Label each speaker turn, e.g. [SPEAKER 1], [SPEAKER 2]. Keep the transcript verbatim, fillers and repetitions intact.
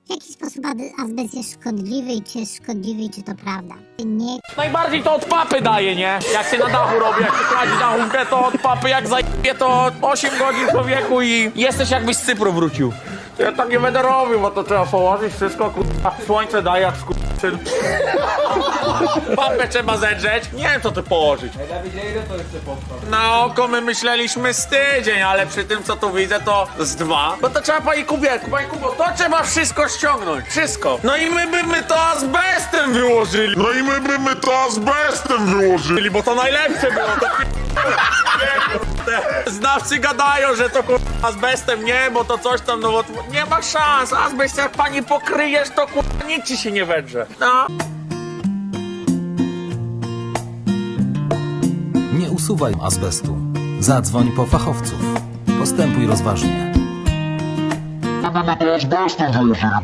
[SPEAKER 1] W jaki sposób ad- azbest jest szkodliwy i czy jest szkodliwy, czy to prawda? Nie.
[SPEAKER 2] Najbardziej to od papy daje, nie? Jak się na dachu robi, jak się kładzi na chumkę, to od papy jak zajebie, to osiem godzin człowieku i jesteś jakbyś z Cypru wrócił. Ja tak nie będę robił, bo to trzeba położyć wszystko, kurwa. Słońce daje jak skurczyn. Papę trzeba zedrzeć. Nie wiem, co tu położyć.
[SPEAKER 3] Ile to jeszcze powstał?
[SPEAKER 2] Na oko my myśleliśmy z tydzień, ale przy tym, co tu widzę, to z dwa. No to trzeba, pani Kubie, pani Kubo, to trzeba wszystko ściągnąć. Wszystko. No i my by my to azbestem wyłożyli.
[SPEAKER 4] No i my by my to azbestem wyłożyli.
[SPEAKER 2] Bo to najlepsze było, to p- Znawcy gadają, że to kurwa azbestem nie, bo to coś tam, no bo nie ma szans. Azbest jak pani pokryjesz, to kurwa nic ci się nie wedrze. No.
[SPEAKER 5] Nie usuwaj azbestu. Zadzwoń po fachowców. Postępuj rozważnie.
[SPEAKER 4] My by my to azbestem wyłożyli.